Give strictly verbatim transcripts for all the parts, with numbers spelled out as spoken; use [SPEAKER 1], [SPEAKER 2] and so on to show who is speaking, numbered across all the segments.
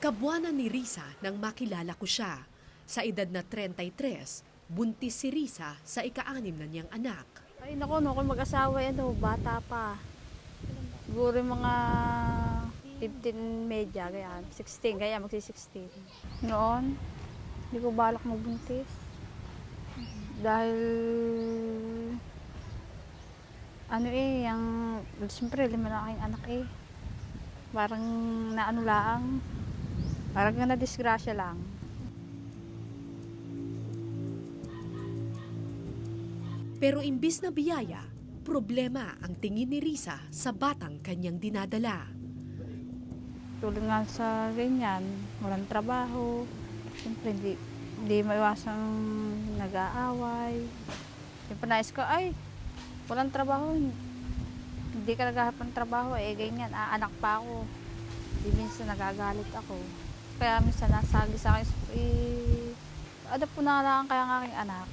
[SPEAKER 1] Kabuanan ni Risa nang makilala ko siya. Sa edad na thirty-three, buntis si Risa sa ika-anim na niyang anak.
[SPEAKER 2] Ay naku, no, kung mag-asawa yan, no, bata pa. Siguro yung mga fifteen medya, kaya sixteen, kaya magsi-sixteen. Noon, hindi ko balak magbuntis. Dahil, ano eh, yung, siyempre, lima na aking anak eh. Parang naano lang, parang na disgrasya lang.
[SPEAKER 1] Pero imbis na biyaya, problema ang tingin ni Risa sa batang kanyang dinadala.
[SPEAKER 2] Tulad nga sa ganyan, walang trabaho, siyempre hindi, hindi maiwasang nag-aaway. Siyempre nais ko, ay, walang trabaho, hindi ka naghahanap ng trabaho, eh ganyan, ah, anak pa ako. Hindi minsan nagagalit ako. Kaya minsan nasagi sa akin, eh, adapt ko na lang kaya ang aking anak.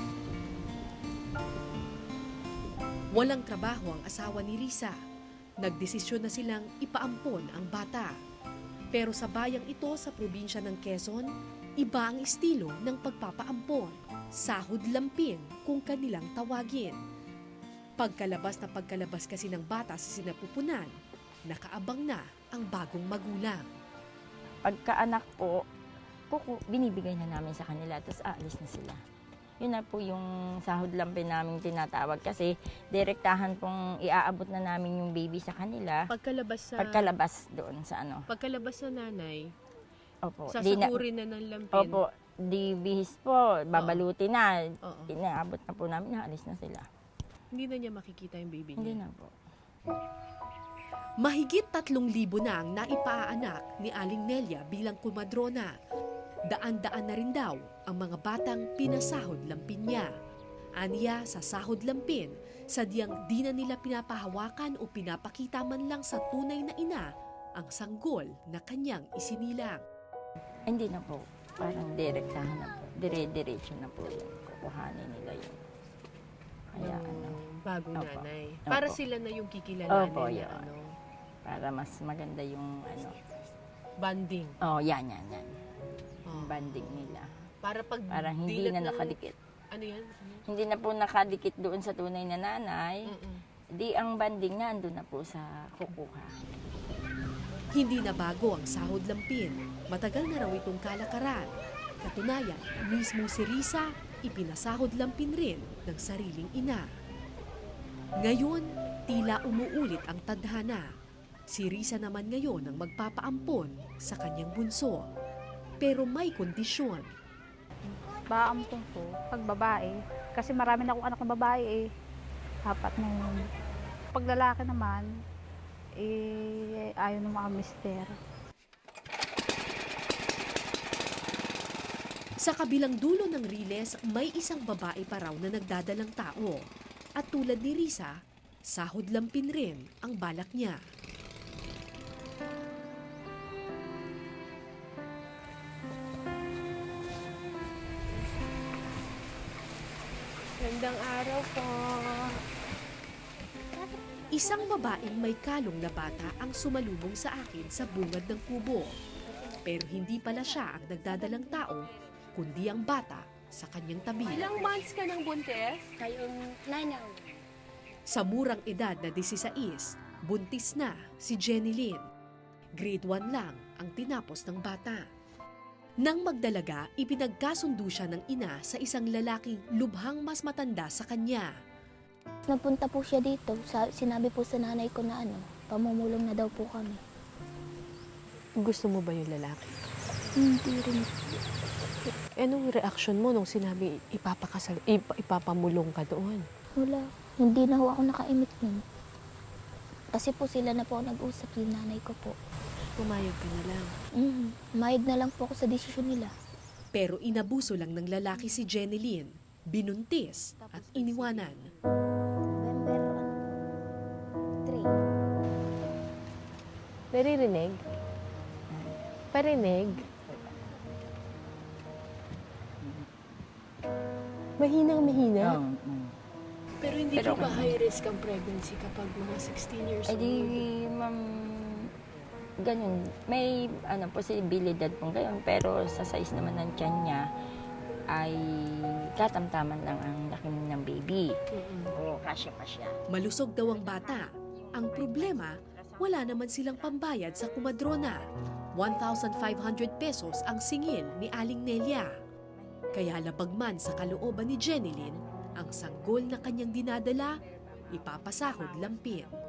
[SPEAKER 1] Walang trabaho ang asawa ni Risa. Nagdesisyon na silang ipaampon ang bata. Pero sa bayang ito sa probinsya ng Quezon, iba ang estilo ng pagpapaampon. Sahod lampin kung kanilang tawagin. Pagkalabas na pagkalabas kasi ng bata sa sinapupunan, nakaabang na ang bagong magulang.
[SPEAKER 3] Pagkaanak po, kuku, binibigay na namin sa kanila, tapos aalis na sila. Yun na po yung sahod lampin namin tinatawag kasi direktahan pong iaabot na namin yung baby sa kanila.
[SPEAKER 4] Pagkalabas sa
[SPEAKER 3] Pagkalabas doon sa ano.
[SPEAKER 4] pagkalabas sa nanay,
[SPEAKER 3] Opo. Di na,
[SPEAKER 4] sasahurin na ng lampin.
[SPEAKER 3] opo, di bihis po, babaluti na.
[SPEAKER 4] Oo.
[SPEAKER 3] Inaabot na po namin, naalis na sila.
[SPEAKER 4] Hindi na niya makikita yung baby
[SPEAKER 3] Hindi
[SPEAKER 4] niya.
[SPEAKER 3] na po.
[SPEAKER 1] Mahigit tatlong libo na ang naipaanak ni Aling Nelia bilang kumadrona. Daan-daan na rin daw ang mga batang pinasahod lampin niya. Aniya sa sahod lampin, sadyang di na nila pinapahawakan o pinapakita man lang sa tunay na ina ang sanggol na kanyang isinilang.
[SPEAKER 3] Hindi na po. Parang direktahan na po. Dire-diretso na po yung kukuhanin nila yun. Kaya
[SPEAKER 4] Yung
[SPEAKER 3] ano,
[SPEAKER 4] bagong
[SPEAKER 3] Opo.
[SPEAKER 4] nanay.
[SPEAKER 3] Opo.
[SPEAKER 4] Para sila na yung kikilalanin
[SPEAKER 3] Opo,
[SPEAKER 4] niya,
[SPEAKER 3] yun.
[SPEAKER 4] ano,
[SPEAKER 3] para mas maganda yung ano.
[SPEAKER 4] banding.
[SPEAKER 3] Oh, yan, yan, yan.
[SPEAKER 4] Oh.
[SPEAKER 3] Yung banding nila.
[SPEAKER 4] Para pag
[SPEAKER 3] Parang hindi
[SPEAKER 4] dilat
[SPEAKER 3] na
[SPEAKER 4] ng-
[SPEAKER 3] nakadikit.
[SPEAKER 4] Ano yan? Ano?
[SPEAKER 3] Hindi na po nakadikit doon sa tunay na nanay.
[SPEAKER 4] Mm-mm.
[SPEAKER 3] Di ang banding na andun na po sa kukuha.
[SPEAKER 1] Hindi na bago ang sahod lampin. Matagal na raw itong kalakaran. Katunayan, mismo si Risa, ipinasahod lampin rin ng sariling ina. Ngayon, tila umuulit ang tadhana. Si Risa naman ngayon ang magpapaampon sa kanyang bunso. Pero may kondisyon.
[SPEAKER 2] Baampong ko, pag babae, kasi marami na akong anak na babae eh. Apat na yun. Pag lalaki naman, eh, ayaw ng mga mister.
[SPEAKER 1] Sa kabilang dulo ng riles, may isang babae pa raw na nagdadalang tao. At tulad ni Risa, sahod lampin rin ang balak niya.
[SPEAKER 4] Gandang araw po.
[SPEAKER 1] Isang babaeng may kalong na bata ang sumalubong sa akin sa bungad ng kubo. Pero hindi pala siya ang nagdadalang tao, kundi ang bata sa kanyang tabi.
[SPEAKER 4] Ilang months ka ng buntis?
[SPEAKER 5] Kayong nanaw.
[SPEAKER 1] Sa murang edad na disisays, buntis na si Jenny Lynn. Grade one lang ang tinapos ng bata. Nang magdalaga, ipinagkasundo siya ng ina sa isang lalaking lubhang mas matanda sa kanya.
[SPEAKER 5] Nagpunta po siya dito. Sa, sinabi po sa nanay ko na ano, pamumulong na daw po kami.
[SPEAKER 6] Gusto mo ba yung lalaki?
[SPEAKER 5] Hindi rin.
[SPEAKER 6] Anong reaction mo nung sinabi ipapakasal, ip, ipapamulong ka doon?
[SPEAKER 5] Wala. Hindi na ho ako nakaimik nun. Kasi po sila na po nag-usap, yung nanay ko po.
[SPEAKER 6] Pumayag ka na lang.
[SPEAKER 5] Mm, mayag na lang po ako sa desisyon nila.
[SPEAKER 1] Pero inabuso lang ng lalaki si Jenny Lynn, binuntis at iniwanan.
[SPEAKER 5] November three.
[SPEAKER 6] Naririnig? Parinig? Mahinang mahina?
[SPEAKER 3] Um, um.
[SPEAKER 4] Pero hindi
[SPEAKER 3] Pero
[SPEAKER 4] po ba
[SPEAKER 3] okay.
[SPEAKER 4] high risk ang pregnancy kapag mga sixteen years
[SPEAKER 3] Ay
[SPEAKER 4] old?
[SPEAKER 3] di, ma'am, ganun, may ano, posibilidad pong ganun. Pero sa size naman ng tiyan niya, ay katamtaman lang ang laki ng baby. Oo, kasya pa siya.
[SPEAKER 1] Malusog daw ang bata. Ang problema, wala naman silang pambayad sa kumadrona. one thousand five hundred pesos ang singil ni Aling Nelia. Kaya labag man sa kalooban ni Jenilyn, ang sanggol na kanyang dinadala, ipapasahod lampin.